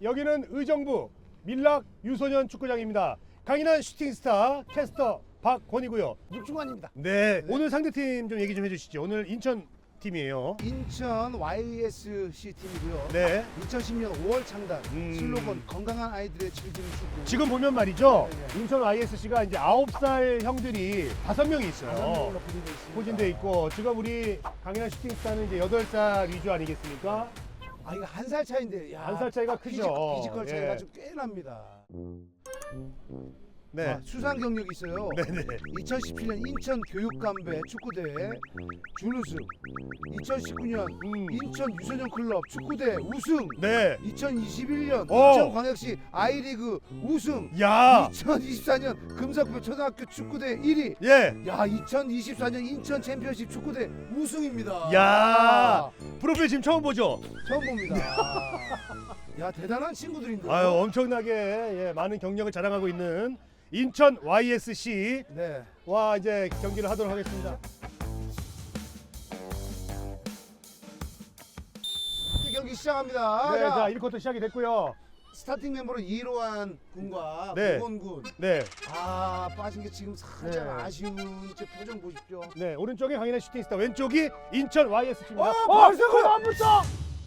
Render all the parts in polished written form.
여기는 의정부 밀락 유소년 축구장입니다. 강인한 슈팅스타 캐스터 박권이고요. 육중환입니다. 네, 오늘 상대팀 좀 얘기 좀 해주시죠. 오늘 인천 팀이에요. 인천 YSC 팀이고요. 네. 2010년 5월 창단 슬로건 건강한 아이들의 즐기는 축구. 지금 보면 말이죠. 네. 인천 YSC가 이제 9살 형들이 5명이 있어요. 포진돼 있고 지금 우리 강인한 슈팅스타는 이제 8살 위주 아니겠습니까? 아 이거 한 살 차인데 야, 한 살 차이가 크죠. 피지컬 차이가 예. 좀 꽤 납니다. 네. 아, 수상 경력이 있어요. 네네. 2017년 인천 교육감배 축구대회 준우승, 2019년 인천 유소년 클럽 축구대 우승, 네. 2021년 오. 인천광역시 아이리그 우승, 야. 2024년 금석표 초등학교 축구대 1위. 예. 야, 2024년 인천 챔피언십 축구대 우승입니다. 야. 프로필 지금 처음 보죠? 처음 봅니다. 야, 대단한 친구들인데. 아유, 엄청나게 예, 많은 경력을 자랑하고 있는 인천 YSC와 네. 이제 경기를 하도록 하겠습니다. 경기 시작합니다. 네, 자, 자 1쿼터 시작이 됐고요. 스타팅 멤버로 이로한 군과 네. 고건 군. 네, 아, 빠진 게 지금 살짝 네. 아쉬운 제 표정 보십시오. 네 오른쪽에 강인한 슈팅스타, 왼쪽이 인천 YSC입니다. 발색을 안 붙어!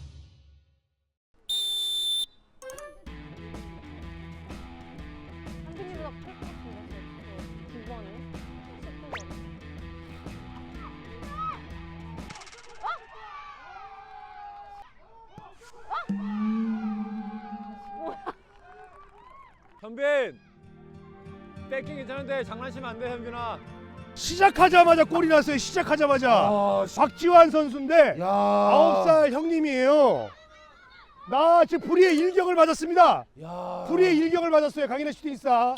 한빈이보다 클것 같은데, 9번은? 19번. 현빈! 뺏긴 괜찮은데 장난치면 안 돼, 현빈아. 시작하자마자 골이 났어요. 시작하자마자. 아, 박지환 선수인데 야. 9살 형님이에요. 나 지금 불의의 일격을 맞았습니다. 야. 불의의 일격을 맞았어요. 강인한 슈팅스타.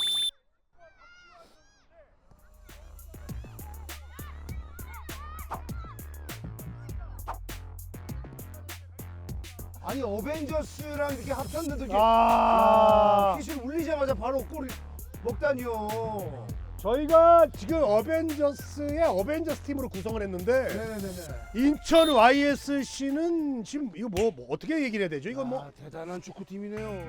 아니 어벤져스랑 이렇게 합쳤는데 이게 아. 휘슬 울리자마자 바로 골을 먹다니요. 저희가 지금 어벤져스의 어벤져스 팀으로 구성을 했는데 네네네. 인천 YSC는 지금 이거 뭐 어떻게 얘기를 해야 되죠? 이거 뭐 대단한 축구팀이네요.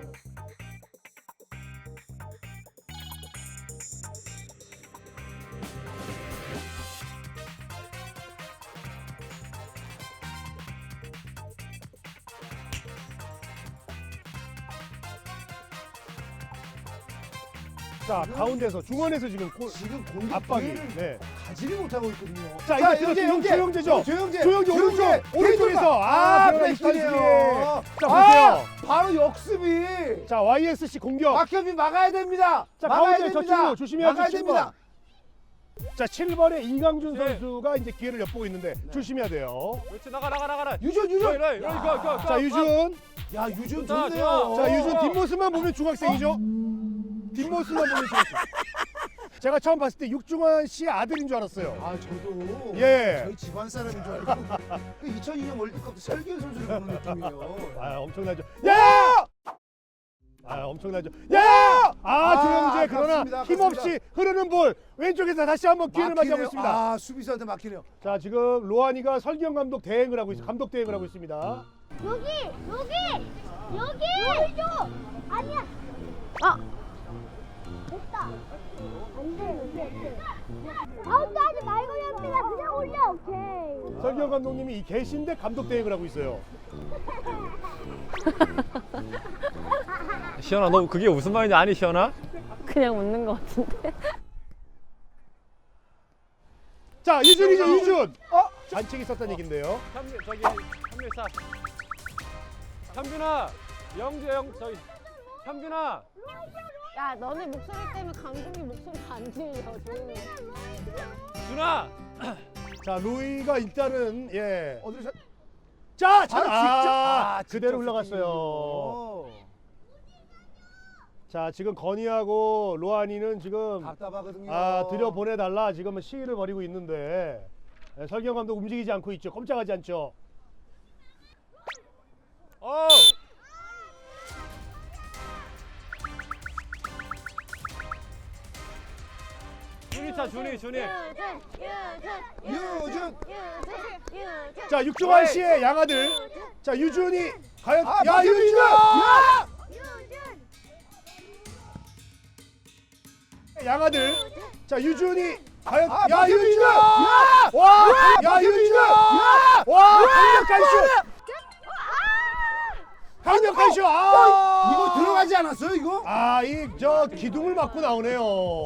자, 가운데서 중원에서 지금 골 지금 공격 압박이. 기회를 네. 가지를 못하고 있거든요. 자, 이제 조영재죠. 조영재 오른쪽에서 백스이네요. 자, 보세요. 바로 역습이. 자, YSC 공격. 박현빈 막아야 됩니다. 자, 막아야 가운데 저 됩니다. 친구 조심해야죠. 막아야 7번. 됩니다. 자, 7번의 인강준 네. 선수가 이제 기회를 엿보고 있는데 조심해야 돼요. 그렇지, 나가. 유준. 이리, 가. 자, 유준. 야, 유준 좋다, 좋네요. 좋아. 자, 유준 뒷모습만 보면 중학생이죠? 뒷모습만 보면 중학생. 제가 처음 봤을 때 육중환 씨의 아들인 줄 알았어요. 아, 저도 예. 저희 집안 사람인 줄 알고 그 2002년 월드컵 설기현 선수를 보는 느낌이에요. 아, 엄청나죠. 야! 아, 엄청나죠. 야! 조영재 그러나 아깝습니다. 힘없이 흐르는 볼 왼쪽에서 다시 한번 기회를 맞이하고 있습니다. 아, 수비수한테 막히네요. 자, 지금 로한이가 설기현 감독 대행을 하고 있습니다. 감독 대행을 하고 있습니다. 여기! 보여줘! 아니야! 아! 됐다! 안 돼. 아웃도 하지 말고 연비가 그냥 올려, 오케이. 설기현 감독님이 이 계신데 감독 대행을 하고 있어요. 시연아, 너 그게 무슨 말인지 아니, 시연아? 그냥 웃는 것 같은데? 자, 유준이죠, 유준. 반칙이 있었다는 얘긴데요. 현빈, 현빈 현빈아, 저기 현빈아. 야, 너네 목소리 때문에 감독님 목소리가 안 들려, 조용히. 준아. 자, 루이가 일단은 예. 어디로 자, 직접 그대로 흘러갔어요. 자, 지금 건이하고 로한이는 지금 답답하거든요. 들여보내달라 지금 시위를 벌이고 있는데 설경 감독 움직이지 않고 있죠. 꼼짝하지 않죠. 준이. 유준. 자, 육중환 씨의 양아들. 자, 유준이 과연 유준! 야! 양아들. 자, 유준이 과연 아, 야, 박현준! 유준! 야! 와! 야, 유준! 와! 강력한 슛! 강력한 슛! 아! 이거 들어가지 않았어요, 이거? 아, 이 저 기둥을 맞고 나오네요.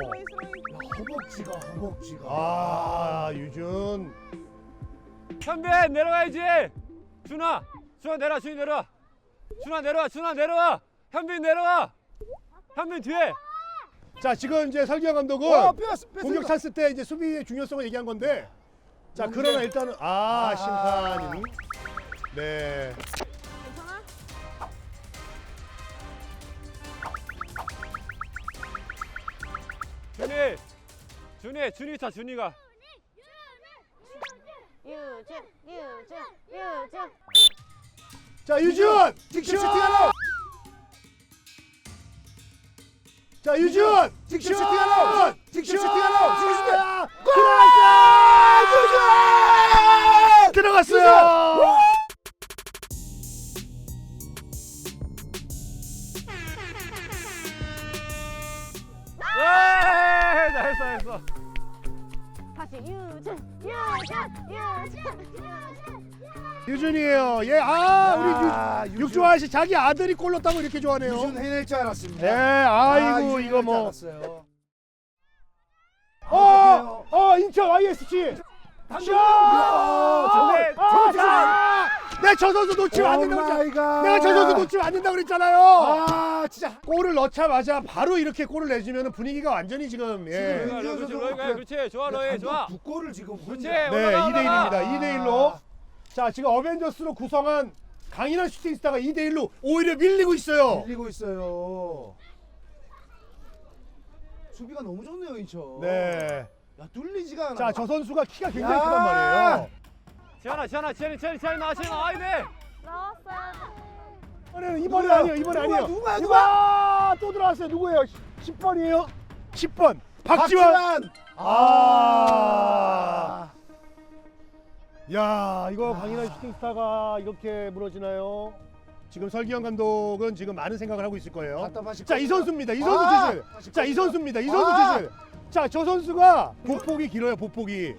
허벅지가. 아, 유준. 현빈 내려가야지. 준아 내려. 준이 내려와. 준아 내려와. 현빈 내려와. 현빈 뒤에. 자, 지금 이제 설기현 감독은 뺐어. 공격 찬스 때 이제 수비의 중요성을 얘기한 건데, 자, 그러나 일단은 심판이 네. 괜찮아? 준이 차 준이가. 유준. 자, 유준! 직접 슈팅하러. 자, 유준! 직접 슈팅하러. 직접 슈팅하러. 직접 슈팅. 들어갔어! 들어갔어요! 네, 잘했어. 다시 유준. 유준이에요. 예, 우리 유준. 육조아 씨 자기 아들이 골 넣었다고 이렇게 좋아하네요. 유준 해낼 줄 알았습니다. 네, 아이고 유준 이거 해낼 줄 뭐. 알았어요. 인천 YSC. 슛! 정말. 내가 저 선수 놓치면 안 된다고 마이 갓. 내가 저 선수 놓치면 안 된다고 그랬잖아요. 아, 진짜. 골을 넣자마자 바로 이렇게 골을 내주면 분위기가 완전히 지금 예. 그렇지. 좋아 너희 좋아. 두 골을 지금 그렇지. 네, 올라가, 2대1입니다. 올라가. 2대1로. 자, 지금 어벤져스로 구성한 강인한 슈팅스타가 2대1로 오히려 밀리고 있어요. 밀리고 있어요. 수비가 너무 좋네요, 인천. 네. 야, 뚫리지가 않아. 자, 저 선수가 키가 굉장히 야! 크단 말이에요. 지현아 나와 돼. 나왔어요. 이번엔 아니에요. 이번엔 아니에요. 누가? 또 들어왔어요. 누구예요? 10번이에요? 10번. 박지원. 야, 이거 강인한 슈팅스타가 이렇게 무너지나요? 지금 설기현 감독은 지금 많은 생각을 하고 있을 거예요. 답답하실 자, 이 겁니다. 선수입니다. 이 선수 주실. 자, 이 선수입니다. 이 선수 주실. 자, 저 선수가 보폭이 길어요. 보폭이.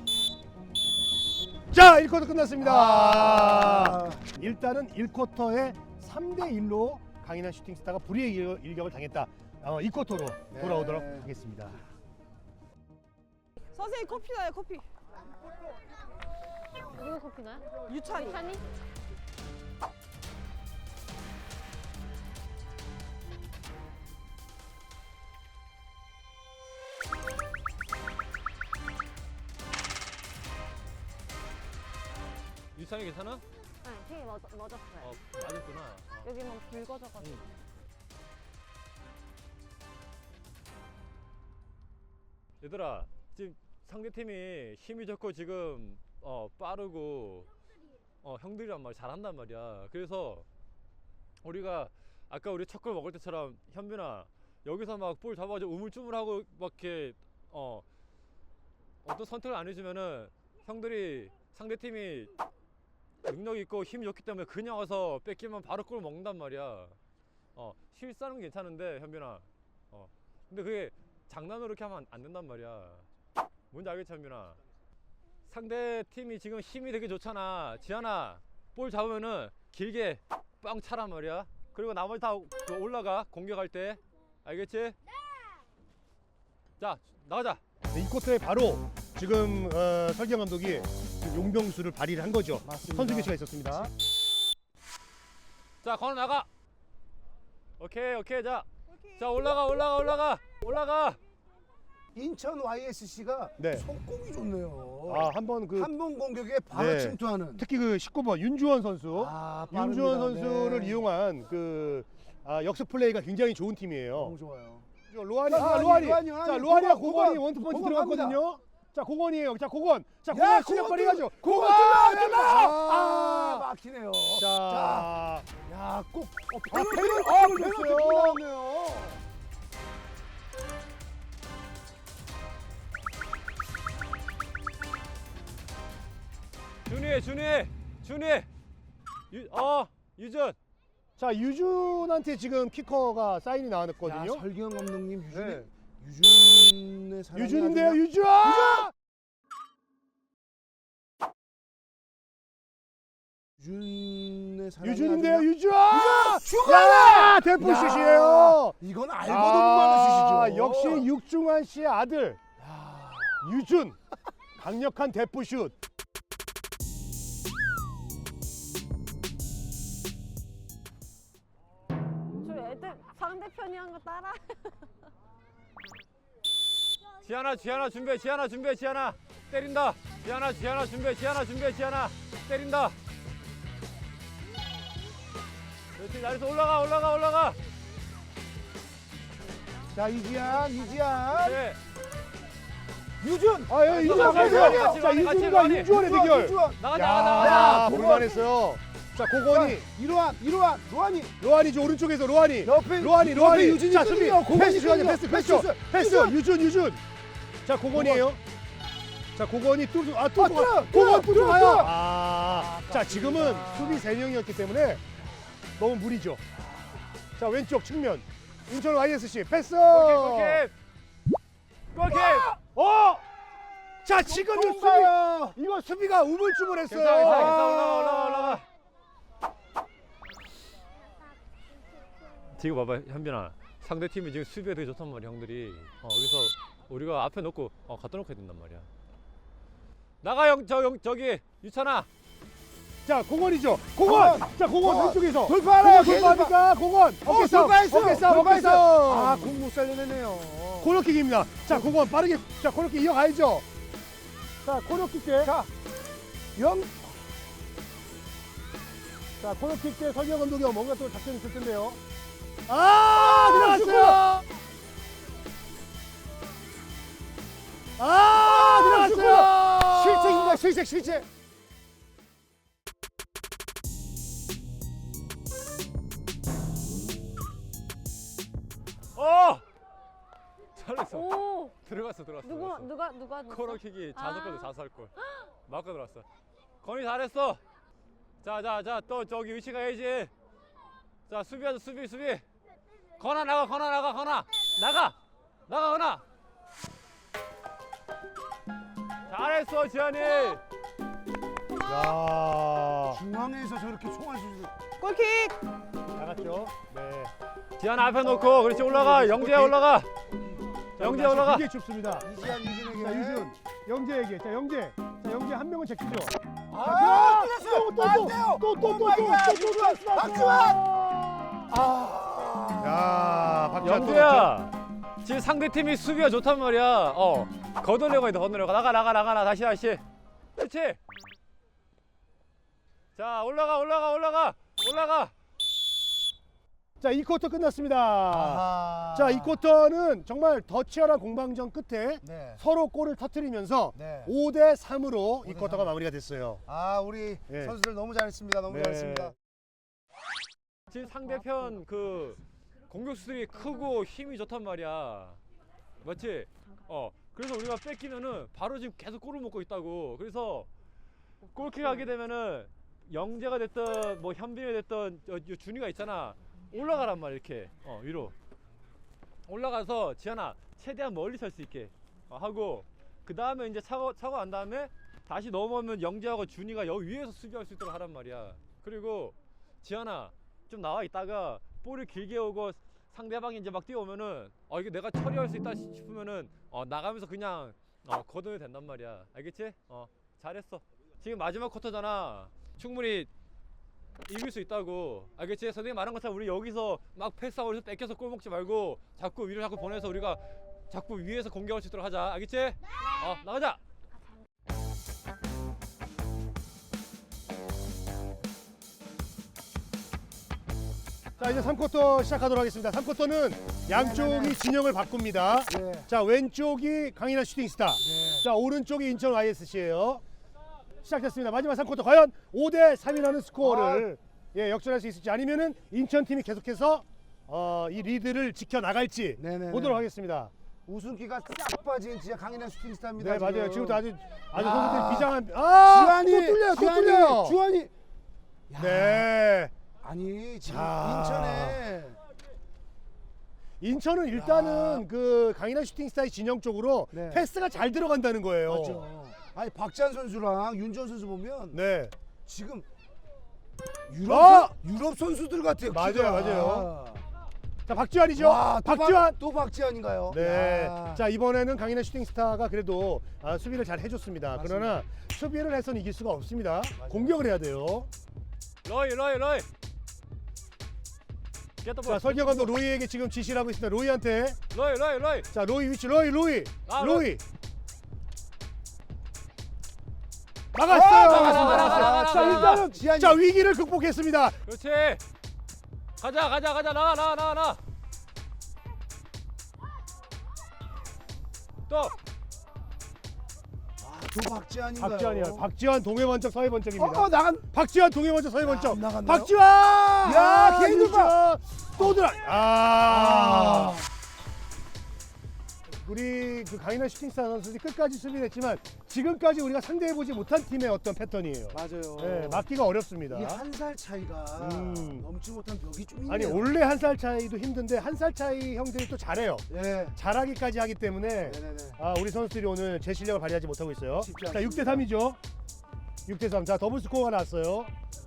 자, 1쿼터 끝났습니다. 일단은 1쿼터에 3대1로 강인한 슈팅스타가 불의의 일격을 당했다. 2쿼터로 네. 돌아오도록 하겠습니다. 선생님 커피 나요 커피. 누구 커피나요? 유찬이. 찬이? 유찬이 괜찮아? 네, 핑이 맞았어요. 맞았구나. 여기만 붉어져가지고. 얘들아 지금 상대팀이 힘이 좋고 지금 빠르고 형들이란 말 잘한단 말이야. 그래서 우리가 아까 우리 첫 골 먹을 때처럼 현빈아 여기서 막 볼 잡아가지고 우물쭈물하고 막 이렇게 어떤 선택을 안 해주면은 형들이 상대팀이 능력 있고 힘이 좋기 때문에 그냥 와서 뺏기면 바로 골 먹는단 말이야. 실수하는 건 괜찮은데 현빈아. 근데 그게 장난으로 이렇게 하면 안 된단 말이야. 뭔지 알겠지 현빈아? 상대 팀이 지금 힘이 되게 좋잖아. 지한아 볼 잡으면은 길게 빵 차란 말이야. 그리고 나머지 다 올라가 공격할 때. 알겠지? 자 나가자. 이 쿼터에 바로 지금 설기현 감독이 용병수를 발휘를 한 거죠. 맞습니다. 선수 교체가 있었습니다. 자 건우 나가. 오케이 자 올라가. 인천 YSC가 네. 속공이 좋네요. 한번 그 한 번 공격에 바로 네. 침투하는. 특히 그 19번 윤주원 선수. 빠릅니다. 윤주원 선수를 네. 이용한 그 역습 플레이가 굉장히 좋은 팀이에요. 너무 좋아요. 로하니, 로하니. 자, 로하니가 공원, 공원이 원투펀치 공원 들어갔거든요. 자, 공원이에요. 자, 공원. 자, 야, 공원 시작거리 가죠. 공원 막히네요. 자, 야, 꼭 페널티 페널티 줬어요. 나오네요. 준이. 유준. 자, 유준한테 지금 키커가 사인이 야, 나왔거든요. 설기현 감독님 네. 유준의 사랑이 유준인데요, 아니라- 유준! 유준의 사랑이 유준인데요, 아니라- 유준! 중간에! 야, 대포슛이에요. 이건 알고도 못 맞는 슛이죠. 역시 육중환 씨의 아들 유준, 강력한 대포슛. 저 애들 상대편이 한 거 따라. 지하나 준비해. 지하나 때린다. 지하나 준비해. 지하나 때린다. 그렇지. 나이스. 올라가. 자, 이지한. 네. 유준. 아, 예, 유준 같이 나가세요. 같이 자, 같이 유준과 같이 윤주원의 대결. 유준. 나가. 볼만했어요. 자, 고건이, 이로한, 로한이. 로한이죠, 오른쪽에서 로한이. 옆에 로한이. 유준이 자, 수비. 끊겨. 고건이 패스 좋아요. 끊겨. 패스. 유준. 자, 고건이에요. 자, 고건이 고건 뚫고 가요. 자, 지금은 수비 3명이었기 때문에 너무 무리죠. 자, 왼쪽 측면. 인천 YSC 패스. 골킥. 자, 지금 이 수비. 가요. 이거 수비가 우물쭈물했어요. 괜찮아. 올라가. 지금 봐봐, 현빈아. 상대 팀이 지금 수비가 되게 좋단 말이야, 형들이. 그래서 우리가 앞에 놓고 갖다 놓고 해야 된단 말이야. 나가 저기 유찬아. 자, 공원이죠. 공원. 자, 공원 왼쪽에서 돌파하나요? 돌파하니까 공원. 어깨 싸움. 아, 공 못 살려내네요. 코너킥입니다. 자, 공원 빠르게. 자, 코너킥 이어가야죠. 자, 코너킥 때. 자, 자, 코너킥 때 설명 감독이 뭔가 또 작전이 있을 텐데요. 들어갔어요. 들어갔어요. 실책. 잘했어. 오. 들어갔어. 누가 코너킥이 아. 자살골. 맞고 들어왔어. 건이 잘했어. 자, 또 저기 위치 가야지. 자, 수비하자, 수비. 건아 나가. 건아. 잘했어, 지한이. 야, 중앙에서 저렇게 총알 쏘는. 골킥. 나갔죠. 네. 지한 앞에 놓고, 그렇지, 올라가. 영재야 올라가. 영재 올라가. 되게 춥습니다. 이지한 유준에게. 자, 유준, 영재에게. 자, 영재 한 명은 제끼죠. 야, 박지환 영재야. 지금 상대 팀이 수비가 좋단 말이야. 거들려고 해, 나가. 다시. 그렇지. 자, 올라가. 자, 이 쿼터 끝났습니다. 아하. 자, 이 쿼터는 정말 더 치열한 공방전 끝에 네. 서로 골을 터뜨리면서 네. 5대 3으로 이 5대 쿼터가 3. 마무리가 됐어요. 아, 우리 네. 선수들 너무 잘했습니다. 너무 네. 잘했습니다. 지금 상대편 그 공격수들이 크고 힘이 좋단 말이야. 맞지? 그래서 우리가 뺏기면은 바로 지금 계속 골을 먹고 있다고. 그래서 골킥 하게 되면은 영재가 됐든 뭐 현빈이 됐든 준이가 있잖아. 올라가란 말이야, 이렇게. 위로. 올라가서 지한아 최대한 멀리 설 수 있게 하고, 그 다음에 이제 차고 난 다음에 다시 넘어오면 영재하고 준이가 여기 위에서 수비할 수 있도록 하란 말이야. 그리고 지한아 좀 나와 있다가 볼을 길게 오고 상대방이 이제 막 뛰어오면은 이게 내가 처리할 수 있다 싶으면은 나가면서 그냥 걷어내도 된단 말이야. 알겠지? 잘했어. 지금 마지막 쿼터잖아. 충분히 이길 수 있다고. 알겠지? 선생님 말한 것처럼 우리 여기서 막 패스하고 뺏겨서 골 먹지 말고 자꾸 위로 보내서 우리가 자꾸 위에서 공격할 수 있도록 하자. 알겠지? 나가자. 자, 이제 3쿼터 시작하도록 하겠습니다. 3쿼터는 양쪽이 진영을 바꿉니다. 네. 자, 왼쪽이 강인한 슈팅스타. 네. 자, 오른쪽이 인천 YSC예요. 시작됐습니다. 마지막 3쿼터 과연 5대 3이라는 스코어를 역전할 수 있을지, 아니면은 인천 팀이 계속해서 이 리드를 지켜 나갈지 네네네. 보도록 하겠습니다. 우승기가 싹 빠진 진짜 강인한 슈팅스타입니다. 네, 맞아요. 지금도 아주 야. 선수들이 비장한. 주한이 또 뚫려요. 주한이. 야. 네. 아니 지금 자. 인천에 인천은 일단은 그 강인한 슈팅스타의 진영 쪽으로 네. 패스가 잘 들어간다는 거예요. 맞죠. 아니 박지한 선수랑 윤지원 선수 보면 네. 지금 어! 유럽 선수들 같아요. 맞아요, 키가. 맞아요. 자, 박지환이죠. 와, 박지환. 또 박지환인가요? 네. 야. 자, 이번에는 강인한 슈팅스타가 그래도 수비를 잘 해줬습니다. 맞습니다. 그러나 수비를 해서는 이길 수가 없습니다. 공격을 해야 돼요. 러이. 자, 설경 감독 로이에게 지금 지시를 하고 있습니다. 로이한테. 러이. 자, 로이 위치. 로이. 아, 로이. 막았어요. 나가. 자, 일단은 지한이. 자, 위기를 극복했습니다. 그렇지. 가자. 나와. 또. 또 박지환인가요? 박지환이야. 박지환 동해 번쩍 서해 번쩍입니다. 나간. 박지환 동해 번쩍 서해 번쩍. 안 나갔나요? 박지환! 야, 개인 돌파! 또 들어. 우리 그 강인한 슈팅스타 선수들이 끝까지 수비를 했지만 지금까지 우리가 상대해보지 못한 팀의 어떤 패턴이에요. 맞아요. 네, 막기가 어렵습니다. 이 한 살 차이가 넘지 못한 벽이 좀 있네요. 아니 원래 한 살 차이도 힘든데 한 살 차이 형들이 또 잘해요. 네. 잘하기까지 하기 때문에 네네네. 우리 선수들이 오늘 제 실력을 발휘하지 못하고 있어요. 쉽지 자, 않습니다. 6대3이죠. 6대3. 자, 더블 스코어가 났어요.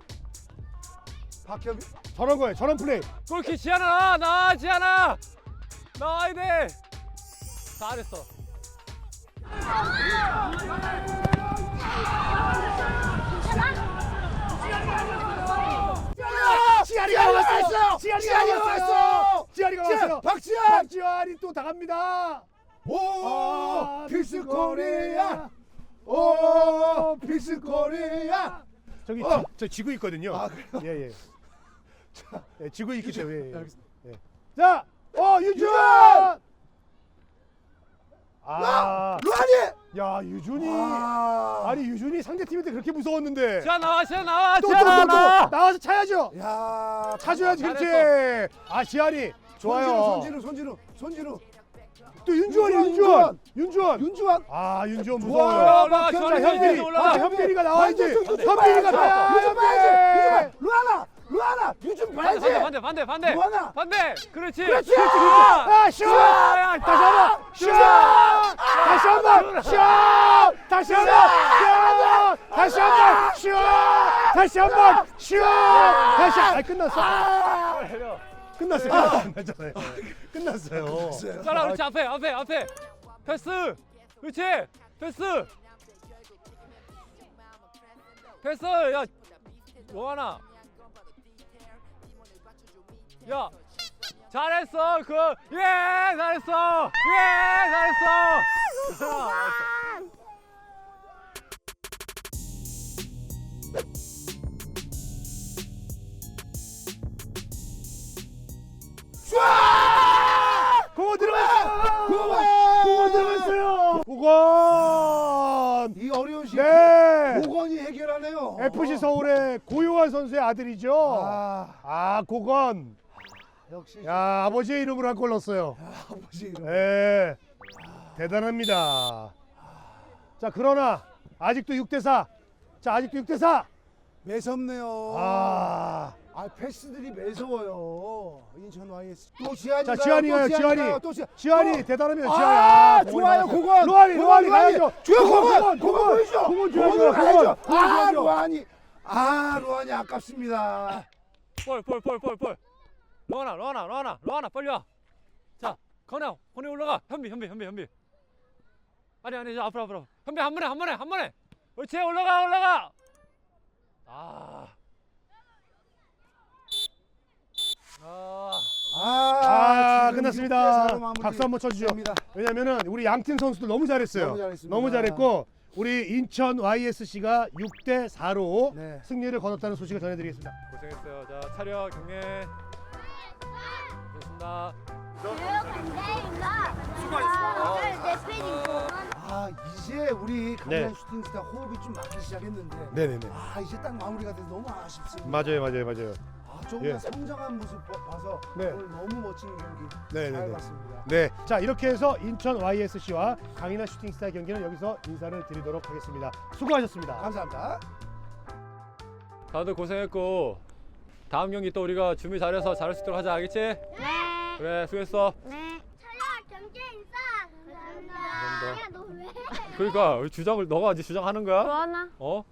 박협이. 저런 거예요. 저런 플레이. 골키 지하나 지하나 나와야 돼. 잘했어. 지아리가 왔어요. 지아리가 왔어요. 지아리가 왔어요. 박지환. 박지환이 또 나갑니다. 오, 필스 코리아. 오, 필스 코리아. 저기 저 지구 있거든요. 아, 그래요? 예. 예, 지구 있기 때문에. 알겠습니다. 예. 자, 유준. 루안이. 야, 유준이. 아. 아니 유준이 상대 팀한테 그렇게 무서웠는데. 지하 나와. 또 지하 나와. 나와서 차야죠. 야, 차줘야지 그렇지. 잘했어. 지아리 좋아요. 손진우. 또 윤주원. 윤주환. 윤주원 좋아요. 무서워요. 올라가. 자, 지원이 현빈이. 올라가. 현빈이가 나와야지. 현빈이 현빈이가 나와야지. 유준 봐야지. 루아나. 유준 봐야지. 반대. 루아나. 반대. 그렇지. 그렇지. 슛! 다시 한번. 슛! 다시 한번. 슛! 다시 한번. 슛! 다시 한번. 슛! 끝났어요. 끝났어요. 자라 그렇지 앞에. 패스. 그렇지. 패스. 야 요하나. 야 잘했어 잘했어. 공원 들어갔어요. 고건. 이 어려운 시기 네. 고건이 해결하네요. FC 서울의 고요한 선수의 아들이죠. 고건. 역시 야, 아버지의 이름으로 한 골 넣었어요. 아버지 이름. 네. 대단합니다. 자, 그러나 아직도 6대4. 매섭네요. 패스들이 매서워요. 인천 YS. 또 지한이. 자, 지한이가요. 지한이 대단합니다. 지한이. 좋아요. 고건. 로안이 가야죠. 고건 보이죠? 고건 고건으로 가야죠. 로안이. 루안이 아깝습니다. 볼. 로하나 빨리 와. 자, 건혜 올라가. 현비. 아니 앞으로. 현비 한 번에. 그렇지 올라가. 끝났습니다. 박수 한번 쳐주죠. 왜냐면은 우리 양팀 선수들 너무 잘했어요. 너무 잘했습니다. 너무 잘했고 우리 인천 YSC가 6대4로 네. 승리를 거뒀다는 소식을 전해드리겠습니다. 고생했어요. 자, 차렷 경례. 됐습니다. 이제 우리 강남 네. 슈팅스타 호흡이 좀 맞기 시작했는데 네네네. 이제 딱 마무리가 돼서 너무 아쉽습니다. 맞아요. 조금 예. 성장한 모습 봐서 네. 오늘 너무 멋진 경기 네네네. 잘 봤습니다. 네, 자 이렇게 해서 인천 YSC와 강인한 슈팅스타의 경기는 여기서 인사를 드리도록 하겠습니다. 수고하셨습니다. 감사합니다. 다들 고생했고 다음 경기 또 우리가 준비 잘해서 잘할 수 있도록 하자. 알겠지? 네. 그래 수고했어. 네. 경제 인사. 감사합니다. 감사합니다. 야, 너 왜? 그러니까 주장을 너가 이제 주장하는 거야? 좋아나? 어?